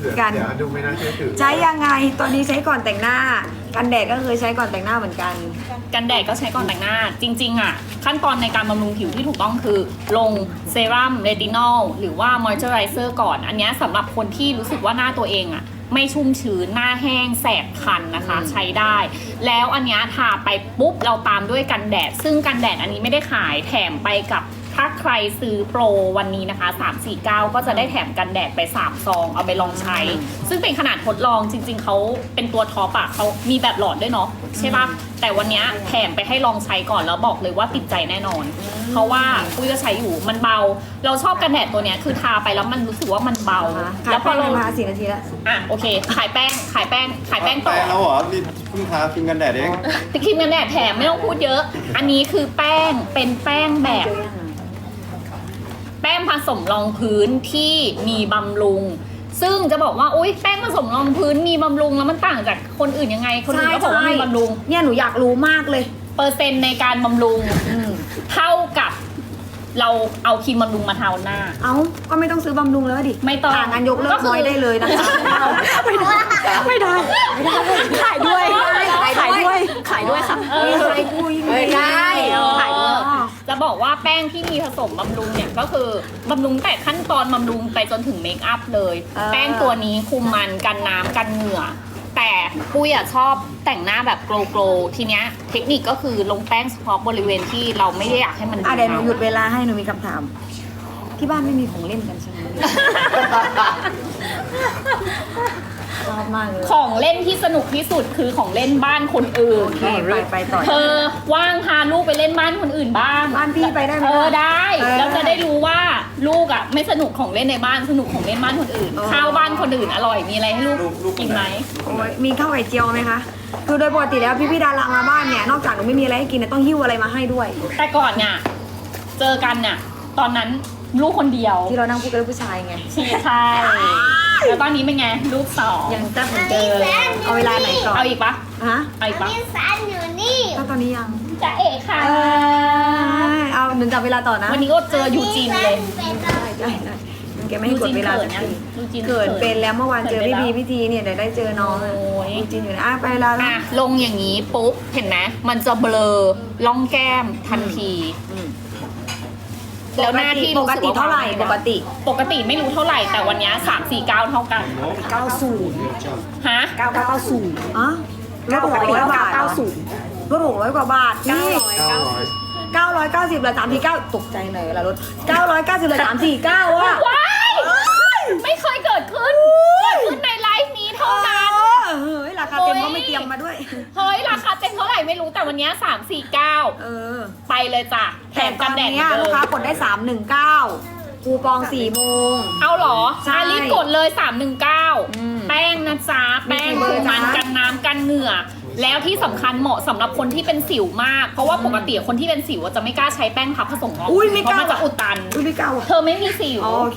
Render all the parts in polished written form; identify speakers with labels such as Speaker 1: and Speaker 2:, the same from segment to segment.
Speaker 1: กัน
Speaker 2: เดี๋ยวดูไม่น่าเชื่อถือ
Speaker 1: ใช้ยังไงตอนนี้ใช้ก่อนแต่งหน้า กันแดดก็เคยใช้ก่อนแต่งหน้าเหมือนกัน
Speaker 3: กันแดดก็ใช้ก่อนแต่งหน้า จริงๆอ่ะขั้นตอนในการบำรุงผิวที่ถูกต้องคือ ลงเซรั่มเรตินอลหรือว่ามอยเจอไรเซอร์ก่อน อันเนี้ยสำหรับคนที่รู้สึกว่าหน้าตัวเองอ่ะไม่ชุ่มชื้นหน้าแห้งแสบคันนะคะ ใช้ได้ แล้วอันเนี้ยทาไปปุ๊บเราตามด้วยกันแดด ซึ่งกันแดดอันนี้ไม่ได้ขายแถมไปกับถ้าใครซื้อโปรวันนี้นะคะ349ก็จะได้แถมกันแดดไป3ซองเอาไปลองใช้ ซึ่งเป็นขนาดทดลองจริงๆเขาเป็นตัวท็อปอะเขามีแบบหลอดด้วยเนาะใช่ปะแต่วันเนี้ยแถมไปให้ลองใช้ก่อนแล้วบอกเลยว่าติดใจแน่นอน เพราะว่าปุ้ยก็ใช้อยู่มันเบา เราชอบกันแดดตัวเนี้ยคือทาไปแล้วมันรู้สึกว่ามันเบา
Speaker 1: ขา
Speaker 3: แล้
Speaker 1: ยว
Speaker 3: พ
Speaker 1: แป้
Speaker 3: องเรา
Speaker 1: มา4 นาทีแล้ว
Speaker 3: อ่ะโอเคขายแป้งต่อ
Speaker 4: แล้วเหรอนี่เพิ่งทาครีมกันแดดเอง
Speaker 3: แต่ครีมกันแดดแถมไม่ต้องพูดเยอะ อันนี้คือแป้งเป็นแป้งแบบ แป้งผสมรองพื้นที่มีบำรุง ซึ่งจะบอกว่าอุ๊ยแป้งผสมรองพื้นมีบำรุงแล้วมันต่างจากคนอื่นยังไง คนอื่นก็บอกว่ามีบำรุง
Speaker 1: เนี่ยหนูอยากรู้มากเลย
Speaker 3: เปอร์เซ็นต์ในการบำรุงเท่ากับเราเอาครีมบำรุงมาทาหน้า
Speaker 1: เอ้าก็ไม่ต้องซื้อบำรุงแล้วดิ
Speaker 3: ไม่ต้อง
Speaker 1: งานยกเลิ
Speaker 3: ก็
Speaker 1: ก
Speaker 3: คือ
Speaker 1: น้อยได้เลยนะคะไม่ได้ขายด้วยขายด้วยค่ะ
Speaker 3: เออ
Speaker 1: ขายด้วย
Speaker 3: ไม่ได้
Speaker 1: ขายด้วย
Speaker 3: จะบอกว่าแป้งที่มีผสมบำรุงเนี่ยก็คือบำรุงแต่ขั้นตอนบำรุงไปจนถึงเมคอัพเลย แป้งตัวนี้คุมมันกันน้ำกันเหงื่อ แต่ปุ้ยอะชอบแต่งหน้าแบบโกลว์ทีเนี้ยเทคนิคก็คือลงแป้งเฉพาะบริเวณที่เราไม่ได้อยากให้มัน
Speaker 1: เดี๋ยวหนูหยุดเวลาให้หนูมีคำถาม ที่บ้านไม่มีของเล่นกันใช่ไหมชอบมากเลย
Speaker 3: ของเล่นที่สนุกที่สุดคือของเล่นบ้านคนอื่น
Speaker 1: โอเคไปต่อ
Speaker 3: เธอว่างพาลูกไปเล่นบ้านคนอื่นบ้าง
Speaker 1: บ้านพี่ไปได้ไหม
Speaker 3: ได้
Speaker 1: เออ
Speaker 3: แล้วจะได้รู้ว่าลูกอ่ะไม่สนุกของเล่นในบ้านสนุกของเล่นบ้านคนอื่น
Speaker 1: เออ
Speaker 3: ข้าวบ้านคนอื่นอร่อยมีอะไรให้ลูก
Speaker 4: ลูก
Speaker 3: กินไหม
Speaker 1: โอ้ยมีข้าวไข่เจียวไหมคะคือโดยปกติแล้วพี่ดารามาบ้านเนี่ยนอกจากหนูไม่มีอะไรให้กินเนี่ยต้องหิ้วอะไรมาให้ด้วย
Speaker 3: แต่ก่อนเนี่ยเจอกันเนี่ยตอนนั้นลูกคนเดียว
Speaker 1: ที่เรานั่งพูดกับผู้ชายไง
Speaker 3: ใช่แล้วตอนนี้เป็นไงลูกสอง
Speaker 1: ยังแซ่บเหมือนเดิมเอาเวลาไหนก่อน
Speaker 3: เอาอีกปะ
Speaker 1: ฮะ
Speaker 3: เอาอีกปะ
Speaker 5: มีสันอยู่นี่
Speaker 1: ถ้าตอนนี้ยัง
Speaker 3: จะเอกค่ะ
Speaker 1: เอาหนึ่งจับเวลาต่อนะ
Speaker 3: วันนี้ก็เจอยูจีนเลย
Speaker 1: ได้แกไม่ให้กดเวลาสักที
Speaker 3: ยูจีน
Speaker 1: เกิดเป็นแล้วเมื่อวานเจอพี่ทีเนี่ยเดี๋ยวได้เจอน้อง
Speaker 3: โอ้ย
Speaker 1: จริงอยู่นะไปแล้ว
Speaker 3: อ่ะลงอย่างนี้ปุ๊บเห็นไหมมันจะเบลอล่องแก้มทันที แล้วหน้าที่
Speaker 1: ป
Speaker 3: รู้
Speaker 1: ก
Speaker 3: สึ
Speaker 1: ติ
Speaker 3: ว่
Speaker 1: เท่าไหร่
Speaker 3: วง
Speaker 1: ปกติ
Speaker 3: ปกติไม่รู้เท่าไหร่แต่วันเนี้ย349 เท่ากัน
Speaker 1: 90
Speaker 3: ฮะ
Speaker 1: 990อ๋อลด600 บาทลด600 กว่าบาทนี่990เหลือ349ตกใจหน่อยเวลารถ990เหลือ349ว่ะ
Speaker 3: ว้ายไม่เคยเกิดขึ้นเกิดขึ้นในไลฟ์นี้เท่านั้น
Speaker 1: เฮ้ยราคาเต็มก็ไม่เตรียมมาด้วย
Speaker 3: เฮ้ยราคาเต็มเท่าไหร่ไม่รู้แต่วันเนี้ย349
Speaker 1: เออ
Speaker 3: ไปเลยจ้ะแถ
Speaker 1: แต่
Speaker 3: ม
Speaker 1: ต
Speaker 3: กั
Speaker 1: อน น
Speaker 3: แดด
Speaker 1: นี้
Speaker 3: เหมือน
Speaker 1: ลู
Speaker 3: เดิ
Speaker 1: ก
Speaker 3: ม
Speaker 1: ค้ากดได้319คูปอง4 โมง
Speaker 3: เอาเหรอ
Speaker 1: ใช่
Speaker 3: รีบกดเลย
Speaker 1: อืม
Speaker 3: 319 แป้งนะจ๊ะ แป้ง
Speaker 1: มีกี่เบอร์
Speaker 3: มัน
Speaker 1: จ๊ะ
Speaker 3: กันน้ำกันเหงื่อ แล้วที่สำคัญเหมาะสำหรับคนที่เป็นสิวมาก เพราะว่าปกติคนที่เป็นสิวอะจะไม่กล้าใช้แป้งพับผสมรอง
Speaker 1: อุ้ยไม่
Speaker 3: เพ
Speaker 1: กล้า
Speaker 3: ราะมันจะอุดตัน
Speaker 1: อุ้ยไม่กล้าว่ะ
Speaker 3: เธอไม่มีสิว
Speaker 1: อ๋อโอเค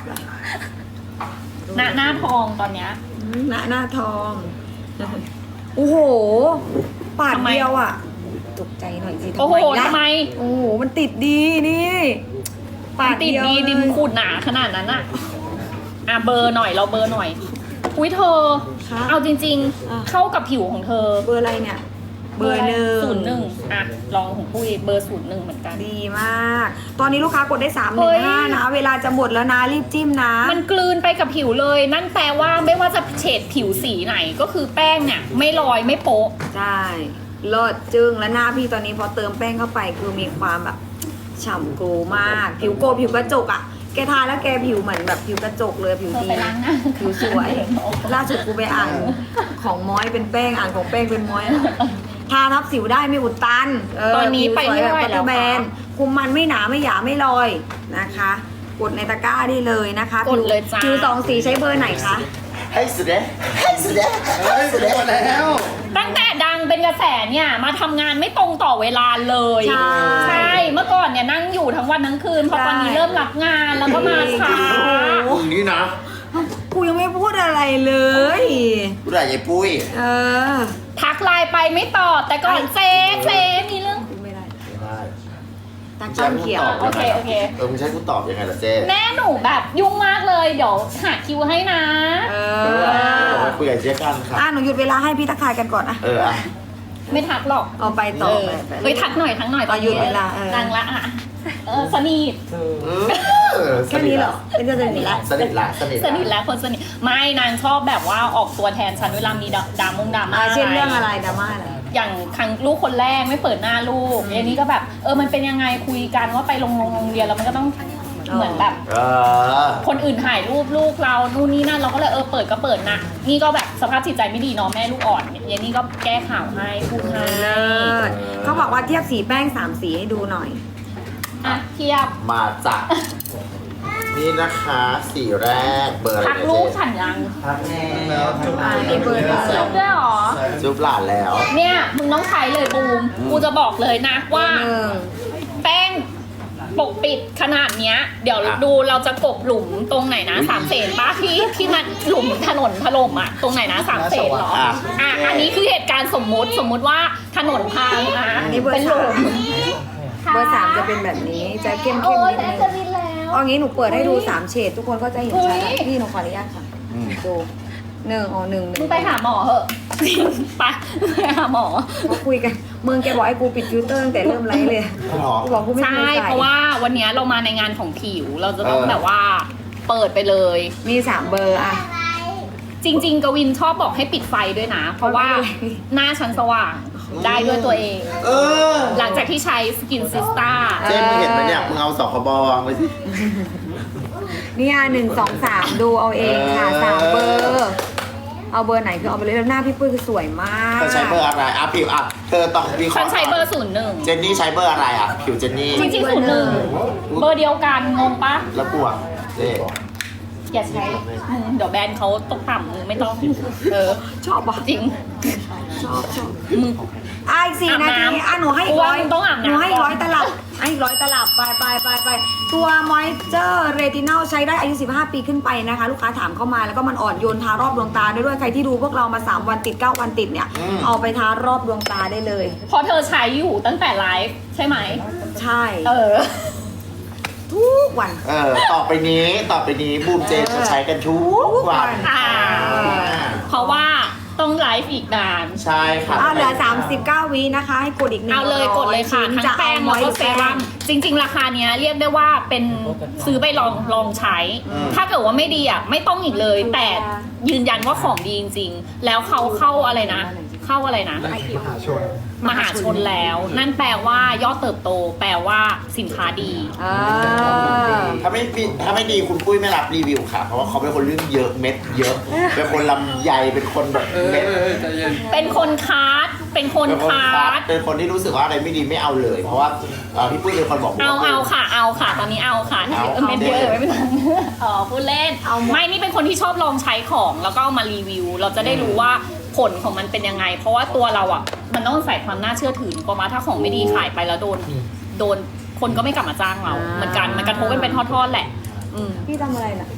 Speaker 3: หน้าทองตอนเนี้ย
Speaker 1: หน้าทอง โอ้โห ปาด
Speaker 3: ทำไม
Speaker 1: เดียวอ่ะ ตกใจหน่อยสิ
Speaker 3: โอ้โห
Speaker 1: ล่ะ
Speaker 3: ทำไม
Speaker 1: โอ้โห มันติดดีนี่ ปาด
Speaker 3: ติด
Speaker 1: เดียว
Speaker 3: ดีดิม
Speaker 1: เลย
Speaker 3: ขูดหนาขนาดนั้นอะอ่ะเบอร์หน่อยเราเบอร์หน่อย อุ้ยเธอ
Speaker 1: คะ
Speaker 3: เอาจริง
Speaker 1: อ่ะ
Speaker 3: ๆ เข้ากับผิวของเธอ
Speaker 1: เบอร์อะไรเนี่ย เบอร์หนึ่ง
Speaker 3: 01อ่ะลองของปุ้ยเบอร์01เหมือนกัน
Speaker 1: ดีมาก ตอนนี้ลูกค้ากดได้
Speaker 3: เฮ้ย
Speaker 1: 315นะ เวลาจะหมดแล้วนะ รีบจิ้มนะ
Speaker 3: มันกลืนไปกับผิวเลย นั่นแปลว่าไม่ว่าจะเฉดผิวสีไหนก็คือแป้งเนี่ยไม่ลอยไม่โป๊ะ
Speaker 1: ใช่เลิศจึงและหน้าพี่ตอนนี้พอเติมแป้งเข้าไปคือมีความแบบฉ่ำโกลมาก ผิวโกลผิวกระจกอ่ะ แกทาแล้วแกผิวเหมือนแบบผิวกระจกเลยผิว
Speaker 3: เธอ
Speaker 1: ดี
Speaker 3: ไปล้างหน้า
Speaker 1: ผิวสวย ล่าสุดกูไปอ่านของม้อยเป็นแป้งอ่านของแป้งเป็นม้อยอะทาทับสิวได้ไม่อุดตันเ
Speaker 3: ตอนนี้ไปไม่ไหว
Speaker 1: ผิสยบบ
Speaker 3: แล้ว
Speaker 1: แบ
Speaker 3: ค่ะ
Speaker 1: นคุมมันไม่หนาไม่หยาไม่ลอยนะคะ กดในตะกร้าได้เลยนะคะ
Speaker 3: กดเลยจ้า
Speaker 1: ผิวสองสีใช้เบอร์ไหนคะ
Speaker 6: ให้สุดเลยให้สุดเลย
Speaker 4: เฮ้ยสุดยอดแล้ว
Speaker 3: ตั้งแต่ดังเป็นกระแสเนี่ยมาทำงานไม่ตรงต่อเวลาเลย
Speaker 1: ใช่
Speaker 3: เมื่อก่อนเนี่ยนั่งอยู่ทั้งวันทั้งคืนพอตอนนี้
Speaker 1: ใช่
Speaker 3: เริ่มรับงานแล้วก็มาช้า
Speaker 6: พรุ่งนี้นะ
Speaker 1: กูยังไม่พูดอะไรเลย
Speaker 6: ผู้ใหญ่ยายปุ้ย
Speaker 1: เออ
Speaker 3: ทักไลน์ไปไม่ตอบแต่ก่อนเจ๊มีเรื่อง
Speaker 1: กูไม่ได้
Speaker 6: ไม่ได้
Speaker 1: ตาก้อนเขียว
Speaker 3: โอเคโอเค
Speaker 6: มึงใช้กูตอบยังไงล่ะเจ๊
Speaker 3: แม่หนูแบบยุ่งมากเลยเดี๋ยวหาคิวให้นะ
Speaker 1: เออ
Speaker 6: คุยกับเจ๊กันค่ะ
Speaker 1: หนูหยุดเวลาให้พี่ทักทายกันก่อนอะ
Speaker 6: อ่ะ
Speaker 3: ไม่ทักหรอก
Speaker 1: เอาไปต่อไป
Speaker 3: เฮ้ยทักหน่อยตอน
Speaker 1: หยุดเวลา
Speaker 3: ดังละอ่ะสนิท
Speaker 1: แค่นี้เหรอเป็นก็จะหนีละ
Speaker 6: สนิทละสนิท
Speaker 3: สนิทแล้วคนสนิทไม่นางชอบแบบว่าออกตัวแทนฉันเวลามีดราม่า
Speaker 1: เช่นเรื่องอะไรดราม่าอะไร
Speaker 3: อย่างครั้งลูกคนแรกไม่เปิดหน้าลูกอย่างนี้ก็แบบมันเป็นยังไงคุยกันว่าไปโรงเรียนแล้วมันก็ต้องเหมือนแบบ คนอื่นถ่ายรูปลูกเรานู่นนี่นั่นเราก็เลยเปิดก็เปิดนะนี่ก็แบบสภาพจิตใจไม่ดีเนาะแม่ลูกอ่อนอย่างนี้ก็แก้ข่าวให้พูดให้
Speaker 1: เขาบอกว่าเทียบสีแป้ง3 สีให้ดูหน่อย
Speaker 3: อ่ะเทียบ
Speaker 6: มาจากนี่นะคะสีแรกเบอร์อะไร
Speaker 3: ทักลูกฉันยัง
Speaker 6: ทักแล้ว
Speaker 1: นี่เบอร์
Speaker 3: จุ๊บด้วยเหรอ
Speaker 6: จุ๊บหลานแล้ว
Speaker 3: เนี่ยมึงต้องใช้เลยบูมกูจะบอกเลยนะว่า แป้งปกปิดขนาดเนี้ย เดี๋ยวดูเราจะกบหลุมตรงไหนนะ3 เสนป้าที่มันหลุมถนนถล่มอ่ะตรงไหนนะ3 เสนเหรออันนี้คือเหตุการณ์สมมุติว่าถนนพังเป็นหลุม
Speaker 1: เบอร์ 3จะเป็นแบบนี้จะเข้ม
Speaker 3: โอ้ย
Speaker 1: นิด
Speaker 3: แต่
Speaker 1: นึง
Speaker 3: จะบินแล้ว
Speaker 1: เอางี้หนูเปิดให้ดู3 เฉดทุกคนก็จะเห็นชัด
Speaker 3: เฮ้ย
Speaker 1: พี่หนูขออนุญาตค่ะดูหนึ่งหนึ่ง
Speaker 3: มึงไปหาหมอเหอะไปหาหมอ
Speaker 1: เขาคุยกันมึงแกบอกให้กูปิดฟิลเตอร์ตั้งแต่เริ่มไลฟ์เลยกูบอกกูไม่
Speaker 3: ใช่
Speaker 1: เคยใส่
Speaker 3: เพราะว่าวันเนี้ยเรามาในงานของผิวเราจะต้องแบบว่าเปิดไปเลย
Speaker 1: มี3 เบอร์อะ
Speaker 3: จริง ๆ กวินชอบบอกให้ปิดไฟด้วยนะ เพราะว่าหน้าฉันสว่างได้ด้วยตัวเอง หลังจากที่ใช้สกินซิสตา
Speaker 6: เจ๊มึงเห็นไหมเนี่ยมึงเอาสคบวางไว้สิ
Speaker 1: เนี่ย1 2 3ดูเอาเองค่ะ3 เบอร์เอาเบอร์ไหนคือเอาไปเลยแล้วหน้าพี่ปุ้ยคือสวยมาก
Speaker 6: เธอใช้เบอร์อะไรผิวเธอต้องวิเค
Speaker 3: ฉั
Speaker 6: ราะ
Speaker 3: น
Speaker 6: ห์
Speaker 3: ใช้เบอร์
Speaker 6: เจนนี่ใช้เบอร์อะไรผิวเจนนี่
Speaker 3: 01จริงๆ01เบอร์เดียวกันงงปะ
Speaker 6: แล้วกูเจ๊
Speaker 3: อย่าใช้เดี๋ยวแบรนด์เขาตกต่ำมึงไม่ต้อง
Speaker 1: ชอบปะ
Speaker 3: จริง
Speaker 1: ชอบ
Speaker 3: มึง
Speaker 1: อีก4 นาทีหนูให้อีก
Speaker 3: ว่ามึงต้องอาบน้ำ
Speaker 1: หนูให้อีก100 ตลับให้อีก100 ตลับไปตัวมอยเจอร์เรตินอลใช้ได้อายุ15 ปีขึ้นไปนะคะ ลูกค้าถามเข้ามาแล้วก็มันอ่อนโยนทารอบดวงตาได้ด้วยใครที่ดูพวกเรามา3 วันติด9 วันติดเนี่ยเอาไปทารอบดวงตาได้เลย
Speaker 3: พอเธอใช้อยู่ตั้งแต่ไลฟ์ใช่ไหม
Speaker 1: ใช่ ทุกวัน
Speaker 6: ต่อไปนี้บูมเจนจะใช้กันทุกวัน
Speaker 3: เพราะว่าต้องไลฟ์อีกนาน
Speaker 6: ใช่ค่ะ
Speaker 1: เหลือ39 วินะคะให้กดอีก1
Speaker 3: เอาเลยกดเลยค่ะทั้งแป้งแล้วก็เซรั่มจริง ๆ ราคาเนี้ยเรียกได้ว่าเป็นซื้อไปลองใช้ ถ้าเกิดว่าไม่ดีไม่ต้องอีกเลย แต่ยืนยันว่าของดีจริงๆแล้วเขาเข้าอะไรนะมหาชนแล้ว นั่นแปลว่ายอดเติบโต แปลว่าสินค้าดี
Speaker 6: ถ้าไม่ดีคุณปุ้ยไม่รับรีวิวค่ะ เพราะว่าเขาเป็นคนเรื่องเยอะเม็ดเยอะ เป็นคนลำใหญ่เป็นคนแบบเม็ด
Speaker 3: เป็นคนคัดเป็นคนคัด
Speaker 6: เป็นคนที่รู้สึกว่าอะไรไม่ดีไม่เอาเลย เพราะว่าพี่ปุ้ยเป็นคนบอก
Speaker 3: เอาค่ะตอนนี้เอาค่ะเม็ดเยอะไม่เป็นไรพูดเล่นไม่นี่เป็นคนที่ชอบลองใช้ของแล้วก็เอามารีวิว เราจะได้รู้ว่าผลของมันเป็นยังไง เพราะว่าตัวเรามันต้องใส่ความน่าเชื่อถือกว่าถ้าของไม่ดีขายไปแล้วโดนคนก็ไม่กลับมาจ้างเราเหมือนกันมันกระทบกันเป็นทอดๆแหละ
Speaker 1: พี่ทำอะไรน่ะ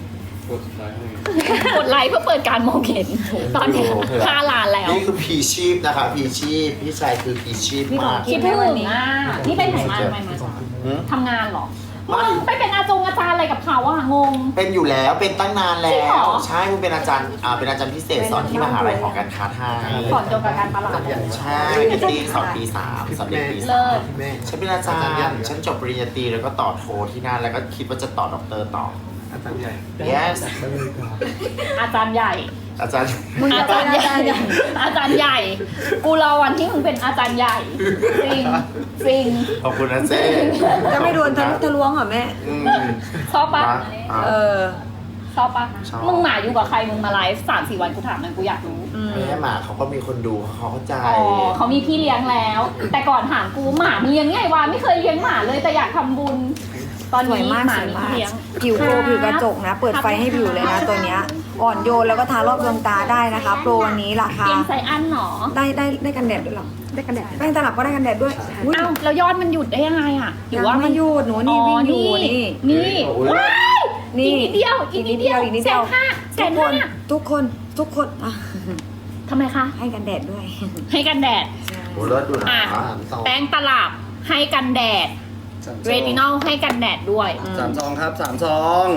Speaker 3: กดไลค์เพื่อเปิดการมองเห็นตอนนี้5 ล้านแล้ว
Speaker 6: นี่คือพีชีพนะคะพีชีพพี่ชายคือพีชีพมาก
Speaker 3: คิดถึงนี่ไปไหนมาทำไมมาทำงานเหรอมึงไปเป็นอาจารย์อะไรกับเขางง
Speaker 6: เป็นอยู่แล้วเป็นตั้งนานแล้
Speaker 3: จริงเหร
Speaker 6: ว
Speaker 3: อ
Speaker 6: ใช่คุณเป็นอาจารย์เป็นอาจารย์พิเศษสอนที่มหาลัยของการค้าไทย
Speaker 3: สอนเกี่ยวกับการตลาด
Speaker 6: ใช่ที่สอนปี 3สอนเด็กปี
Speaker 3: เลิศ
Speaker 6: 3ฉันเป็นอาจารย์ฉันจบปริญญาตรีแล้วก็ต่อโทที่นั่นแล้วก็คิดว่าจะต่อด็อกเตอร์ต่อ
Speaker 4: อาจารย์ใหญ่
Speaker 6: yes
Speaker 3: อาจารย์ใหญ่
Speaker 6: อาจารย์
Speaker 1: มึงจะเป็นอาจารย์ใหญ่
Speaker 3: อาจารย์ใหญ่ กูรอวันที่มึงเป็นอาจารย์ใหญ่จริง
Speaker 6: ขอบคุณนะเจ๊
Speaker 1: จะไม่โดนทะลุทะลวงเหรอแม่
Speaker 3: ชอบปะ
Speaker 1: ช
Speaker 3: ชอบปะ
Speaker 6: ชอบ
Speaker 3: มึงหมาอยู่กับใครมึงมาไลฟ์3-4 วันกูถามหน่อยกูอยากรู้
Speaker 6: แม่หมาเขาก็มีคนดูเขาเข้าใจ
Speaker 3: อ๋อเขามีพี่เลี้ยงแล้ว แต่ก่อนถามกูหมามีเลี้ยงไงวะไม่เคยเลี้ยงหมาเลยแต่อยากทำบุญ ตอน
Speaker 1: สวย
Speaker 3: นี้
Speaker 1: มาก
Speaker 3: หมา
Speaker 1: สวย
Speaker 3: มี
Speaker 1: มาก
Speaker 3: พี่เลี้ยง
Speaker 1: ผิวโปรผิวกระจกนะ เปิดไฟให้ผิวเลยนะตัวเนี้ยอ่อนโยนแล้วก็ทารอบดวงตาได้นะคะโปรวันนี้ราคา
Speaker 3: เลี้ยงไซอันหรอ
Speaker 1: ได้กันแดดด้วยเหรอได้กันแดดแป้งตลับก็ได้กันแดดด้วยอุ๊ย
Speaker 3: เอ้าแล้วยอดมันหยุดได้ยังไงอ่ะหรือว่า
Speaker 1: ยัง
Speaker 3: มั
Speaker 1: ไม่
Speaker 3: น
Speaker 1: หยุดหนูนี่วิ่งอยู่นี่
Speaker 3: นี่ว้าย
Speaker 1: นี่
Speaker 3: อีกนิดเดียวอีกนิดเดียว
Speaker 1: อีกนิดเดียว
Speaker 3: 150,000
Speaker 1: ทุกคนอ่ะ
Speaker 3: ทำไมคะ
Speaker 1: ให้กันแดดด้วย
Speaker 3: ให้กันแดด
Speaker 6: โอ้เลิศดูนะ
Speaker 3: อ่ะแป้งตลับให้กันแดดเรตินอลให้กันแดดด้วย
Speaker 4: 3 ซองครับ3 ซอง
Speaker 1: อ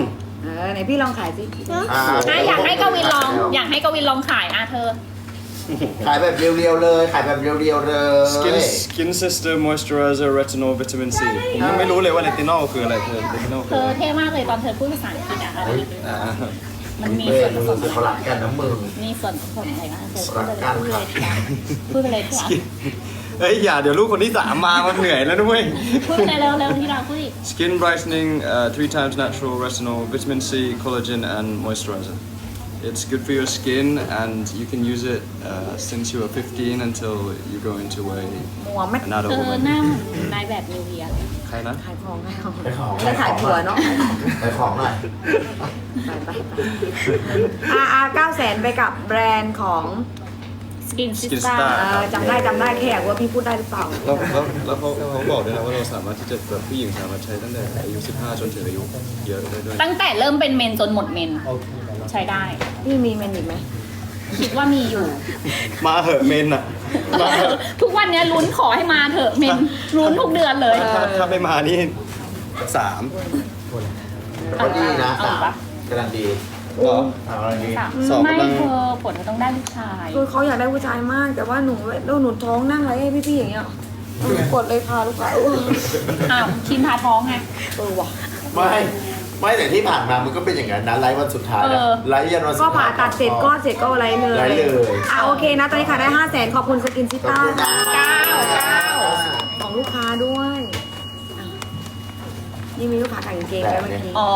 Speaker 1: ไหนพี่ลองขายสิ
Speaker 3: อยากให้กวินลอง อยากให้กวินลองขายเธอ
Speaker 6: ขายแบบเรียวๆเลยขายแบบเรียวๆเลย
Speaker 4: Skin Sister Moisturizer Retinol Vitamin C ผมยังไม่รู้เลยว่า Retinol คืออะไรเธอ Retinol
Speaker 3: เธ
Speaker 4: คือ
Speaker 3: อ
Speaker 4: อะไร
Speaker 3: เท่มากเลยตอนเธอพูดภาษาอังกฤษอะอะไร
Speaker 4: อ่า
Speaker 3: มันมี
Speaker 6: เบ้
Speaker 3: ส่วน
Speaker 6: มื
Speaker 3: ผสม
Speaker 6: อเขาหลักกันนะมึง
Speaker 3: มีส่วนผสมอะไรบ้างเธอ
Speaker 6: รักกันครับ
Speaker 3: พูดไปเลยที่รัก
Speaker 4: เฮ้ยอย่าเดี๋ยวลูกคนที่ 3 มามันเหนื่อยแล้วด้วย
Speaker 3: พูดไปเลยเร็วๆที่รักพูดดิ
Speaker 4: Skin brightening 3 times natural retinol vitamin C collagen and moisturizer It's good for your skin and you can use it since you are 15 until you go into a
Speaker 1: มัวไหม
Speaker 4: an adult
Speaker 3: เธอ
Speaker 4: woman
Speaker 3: หน้าเหมือนนายแบบนิวเยียร์เลย
Speaker 4: ใครนะ
Speaker 1: ขายของขายของ
Speaker 6: ไปของ
Speaker 1: แล้วขายผัวเนาะ
Speaker 6: ไปของหน่อย
Speaker 1: ไป900,000ไปกับแบรนด์ของ
Speaker 3: Skin
Speaker 4: Skin
Speaker 3: Sister
Speaker 4: Star
Speaker 1: จำได้แค่อยากว่าพี่พูดได้หรือเปล่า
Speaker 4: แล้วเขาบอกด้วยนะว่าเราสามารถที่จะแบบผู้หญิงสามารถใช้ตั้งแต่อายุ 15 จนถึงอายุเยอะได้ด้วย
Speaker 3: ตั้งแต่เริ่มเป็นเมนจนหมดเมน ใช้ได้
Speaker 1: พี่มีเมนอีกไหม
Speaker 3: คิดว่ามีอยู่
Speaker 4: มาเหอะเมนอะมาเหอะ
Speaker 3: ทุกวันเนี้ยลุ้นขอให้มาเถอะเมนลุ้นทุกเดือนเลย
Speaker 4: ถ้าไม่มานี่ 3
Speaker 6: ก็ดีนะ
Speaker 3: เอา
Speaker 6: สาม
Speaker 3: ปะ
Speaker 6: กำลังดี
Speaker 4: เหรอ
Speaker 6: สามกำลังดี
Speaker 4: สอง
Speaker 3: ไม่
Speaker 4: กำลัง
Speaker 3: เธอผลเธอต้องได้ลูกชาย
Speaker 1: คือเขาอยากได้ผู้ชายมาก แต่ว่าหนูท้องนั่งไรให้พี่ๆอย่างเงี้ยกดเลยค่ะลูกค้า
Speaker 3: อ้าวคิมพาท้องไง
Speaker 1: ว่ะ
Speaker 6: ไม่แต่ที่ผ่านมามันก็เป็นอย่างนั้นนะไลฟ์วันสุดท้ายนะไลฟ์ยันวันสุด
Speaker 1: ก็
Speaker 6: ท้าย
Speaker 1: ผ่าตัดเสร็จก็อะไรเลย
Speaker 6: ไลฟ์เลย
Speaker 1: โอเคนะ ตอนนี้ขายได้500,000ขอบคุณสกินซิต้า
Speaker 3: เก้า
Speaker 1: ของลูกค้าด้วยอ่ะนี่มีลูกค้าขายกางเกงไว้เมื่อกี้
Speaker 3: อ๋อ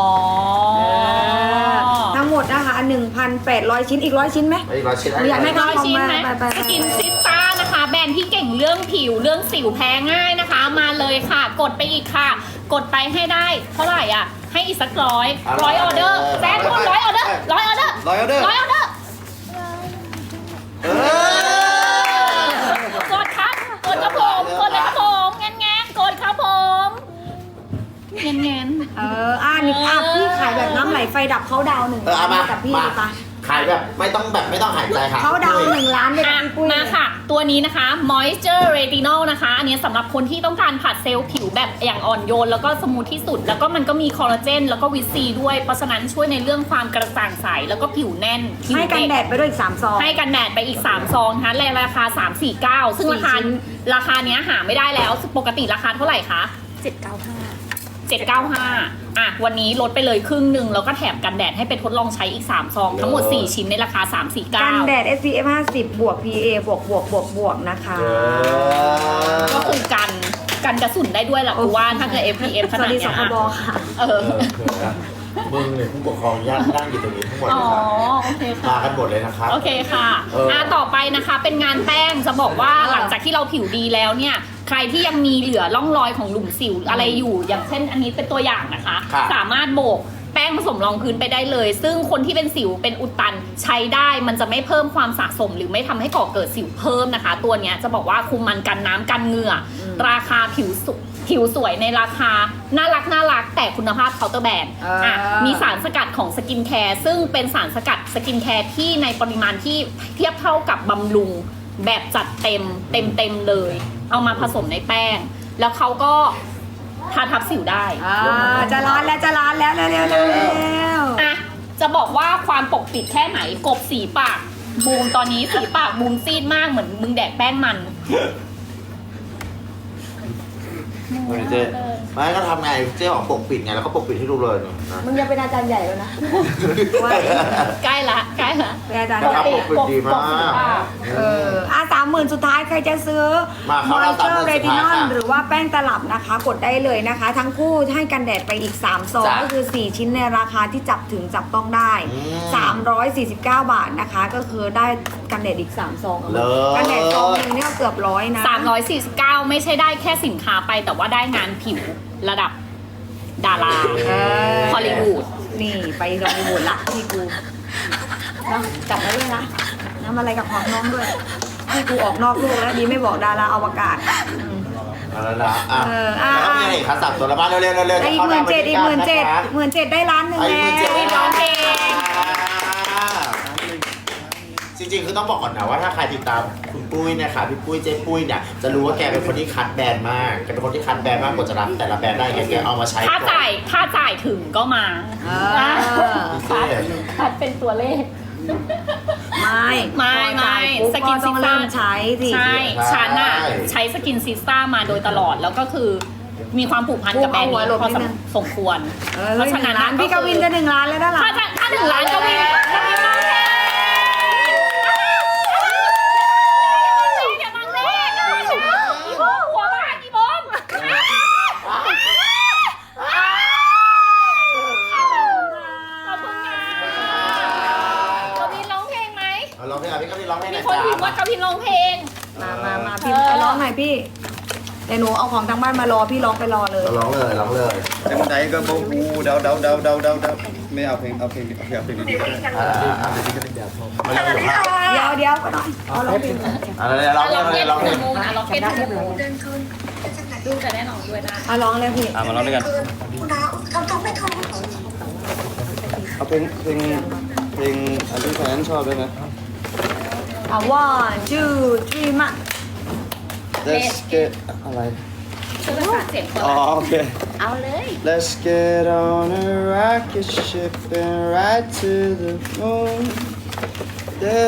Speaker 1: ทั้งหมดนะคะ1,800 ชิ้นอีก100 ชิ้นไหม
Speaker 6: ไอ้ร้อยชิ้น
Speaker 1: อยากให้
Speaker 3: ร้อยชิ้นไหม
Speaker 1: ไป
Speaker 3: สกินซิสต้านะคะ แบรนด์ที่เก่งเรื่องผิวเรื่องสิวแพ้ง่ายนะคะ มาเลยค่ะ กดไปอีกค่ะ กดไปให้ได้ เท่าไหร่อ่ะ ให้อีกสักร้อยออเดอร์แซ่ทุน100 ออเดอร์100 ออเดอร์
Speaker 4: 100 ออเดอร์
Speaker 3: 100 ออเดอร์ กดครับ กดครับผมกดเลยครับผมแงนกดครับผมแงน
Speaker 1: นี่พี่ขายแบบน้ำไหลไฟดับเขาดาว1 ล้าน
Speaker 6: มา
Speaker 1: กับพี่
Speaker 6: มา
Speaker 1: เลยปะ
Speaker 6: ขายแบบไม่ต้องหายใจค่ะ
Speaker 1: เขาดาว1 ล้านเลยกับพี่ปุ้ย
Speaker 3: มาค่ะ ตัวนี้นะคะ Moisture Retinol นะคะ อันนี้สำหรับคนที่ต้องการผัดเซลล์ผิวแบบอย่างอ่อนโยน แล้วก็สมูทที่สุด แล้วก็มันก็มีคอลลาเจน แล้วก็วิตซีด้วย เพราะฉะนั้นช่วยในเรื่องความกระจ่างใส แล้วก็ผิวแน่นผิว
Speaker 1: ให้กัน
Speaker 3: เด็ก
Speaker 1: แดดไปด้วยอีก3 ซอง
Speaker 3: ให้กันแดดไปอีก 3 ซองนะคะในราคา 349 ซึ่ง
Speaker 1: 4
Speaker 3: ราคาเนี้ยหาไม่ได้แล้ว ปกติราคาเท่าไหร่คะ 795อ่ะวันนี้ลดไปเลยครึ่งหนึ่งแล้วก็แถมกันแดดให้ไปทดลองใช้อีก 3 ซอง ทั้งหมด 4 ชิ้นในราคา
Speaker 1: กันแด
Speaker 3: 349
Speaker 1: ด SPF 50บวก PA บวกนะคะ
Speaker 3: ก็คือกันกระสุนได้ด้วยแหละกูว่าถ้าเกิด FPF ข
Speaker 1: สวั
Speaker 3: นา
Speaker 1: ส
Speaker 3: ด
Speaker 1: ดี
Speaker 3: เนี้
Speaker 1: ส
Speaker 3: ย
Speaker 1: คบค่ะ
Speaker 3: เออ
Speaker 6: มึงเนี่ยผู้ปกครองญาตินั่งอยู่ตรงนี้ทั้งหมด
Speaker 3: อ๋
Speaker 6: เล
Speaker 3: อย
Speaker 6: ครับ
Speaker 3: โอเค
Speaker 6: มา
Speaker 3: ค่ะ
Speaker 6: กันหมดเลยนะครับ
Speaker 3: โอเคค่ะ ต่อไปนะคะเป็นงานแป้งจะบอกว่าหลังจากที่เราผิวดีแล้วเนี่ย ใครที่ยังมีเหลือร่องรอยของหลุมสิวอะไรอยู่ อย่างเช่นอันนี้เป็นตัวอย่างนะคะ
Speaker 6: ครับ
Speaker 3: สามารถโบกแป้งผสมรองพื้นไปได้เลย ซึ่งคนที่เป็นสิวเป็นอุดตันใช้ได้มันจะไม่เพิ่มความสะสม หรือไม่ทำให้ก่อเกิดสิวเพิ่มนะคะ ตัวเนี้ยจะบอกว่าคุมมันกันน้ำกันเหงื่อราคาผิวสวยในราคาน่ารักแต่คุณภาพเคาน์เตอร์แบรนด์มีสารสกัดของสกินแคร์ซึ่งเป็นสารสกัดสกินแคร์ที่ในปริมาณที่เทียบเท่ากับบำรุงแบบจัดเต็มเลย เอามาผสมในแป้ง แล้วเขาก็ทาทับสิวได้
Speaker 1: จะร้านแล้วเร็ว
Speaker 3: อ่ะจะบอกว่าความปกปิดแค่ไหนกบสีปากบูมตอนนี้สีปากบูมซีดมากเหมือนมึงแดกแป้งมัน
Speaker 6: เจ๊ไม่ก็ทำไงเจ๊ของปกปิดไงแล้วก็ปกปิดให้ดูเลยนะ
Speaker 1: มึงจะเป็นอาจารย์ใหญ่แล้วนะ
Speaker 3: ใกล้ละ
Speaker 1: เป็นอาจารย์
Speaker 6: นะครับ
Speaker 1: ใหญ่
Speaker 6: ปกปิดดีมาก
Speaker 1: 30,000 สุดท้ายใครจะซื้อ
Speaker 6: มาเข้าแล้ว
Speaker 1: Moisture
Speaker 6: 30,000 สุดท้าย
Speaker 1: Retinol
Speaker 6: ค่ะ
Speaker 1: หรือว่าแป้งตลับนะคะ กดได้เลยนะคะ ทั้งคู่ให้กันแดดไปอีก3 ซอง
Speaker 6: จ้ะ
Speaker 1: ก็คือ 4 ชิ้นในราคาที่จับต้องได้ 349 บาทนะคะ ก็คือได้กันแดดอีก3 ซอง
Speaker 6: เลิศ
Speaker 1: กันแดดซองนึงเนี่ยเกือบ100นะ
Speaker 3: 349 ไม่ใช่ได้แค่สินค้าไปแต่ว่าได้งานผิวระดับดาราฮอลลีวูด
Speaker 1: นี่ไปฮอลลีวูดละที่กูเนาะจับไว้ด้วยนะน้ำอะไรกับของน้องด้วยให้กูออกนอกโลกแล้วดีไม่บอกดาราอวกาศ
Speaker 6: เอาแล้วนะอ่ะ
Speaker 1: อ่ะ
Speaker 6: แล้วก็มีอะไรอีกครับ3ตัวละมาเร็วๆ
Speaker 1: อีก17,000อีก17,000ได้ล้านหนึ่ง
Speaker 6: อีก
Speaker 1: แล้ว
Speaker 6: 17,000
Speaker 3: ร้องเพลง
Speaker 6: จริงๆคือต้องบอกก่อนนะว่าถ้าใครติดตามคุณปุ้ยเนะคะพี่ปุ้ยเจ๊ปุ้ยเนี่ยจะรู้ว่าแกเป็นคนที่คัดแบรนด์มากแกเป็นคนที่คัดแบรนด์มากกว่าจะรับแต่ละแบรนด์ได้แกเอามาใช้
Speaker 3: ถ้า
Speaker 6: ก่อน
Speaker 3: จ่ายถึงก็มา
Speaker 6: พิเศษ
Speaker 3: คัดเป็นตัวเลข
Speaker 1: ไม่
Speaker 3: สกิน
Speaker 1: ต้
Speaker 3: ซิ
Speaker 1: อง
Speaker 3: ส
Speaker 1: เริ่
Speaker 3: ต้าม
Speaker 1: ใช้สิ
Speaker 3: ใช่ฉันอะใช้สกินซิสต้ามาโดยตลอดแล้วก็คือมีความผูกพันกับแบรนด์นี้พอสมควร
Speaker 1: เพราะฉะนั้นพี่กวินจะ1 ล้านแล้วด้านหลัง
Speaker 3: ถ้าถึงร้านกวินร้องเพลงอย่าบังเลขอีโบหัวบ้านอีโบมขอบคุณค่ะกวินร้องเพลงไหม
Speaker 6: เอาร้องเพลงพี่ก็พี่ร้องเพลงห
Speaker 3: มี
Speaker 6: น่อย
Speaker 3: คน
Speaker 6: จ้า
Speaker 3: พิมพ์ว่ากวินร้องเพลง
Speaker 1: มาพี่ไปร้องหน่อยพี่เดี๋ยวหนูเอาของทางบ้านมารอพี่ร้องไปรอเลย
Speaker 6: ร้องเลยร้องเลย
Speaker 4: จังใดก็บ่ฮู้เดาไม่เอาเพลงดีๆก็ได้
Speaker 6: มาเลย
Speaker 1: เดี๋ยวก็หน่อยเอาร้องเพลง
Speaker 6: เอาเลยร้องเลยร้องเลย
Speaker 3: ล็อกเก็ตทูมูนดูจะได้ร้องด้วยนะ
Speaker 1: เอาร้องเลยพี่
Speaker 4: มาร้องด้วยกันเอาเพลงอันที่แฟนชอบด้วยนะ
Speaker 1: เอา 1 2 3 มา
Speaker 4: Let's get อะไร
Speaker 3: ช่วยประสานเสียงคน
Speaker 4: อ๋อโอเค
Speaker 3: เอาเลย
Speaker 4: Let's get on a rocket ship and ride to the moon. Yeah.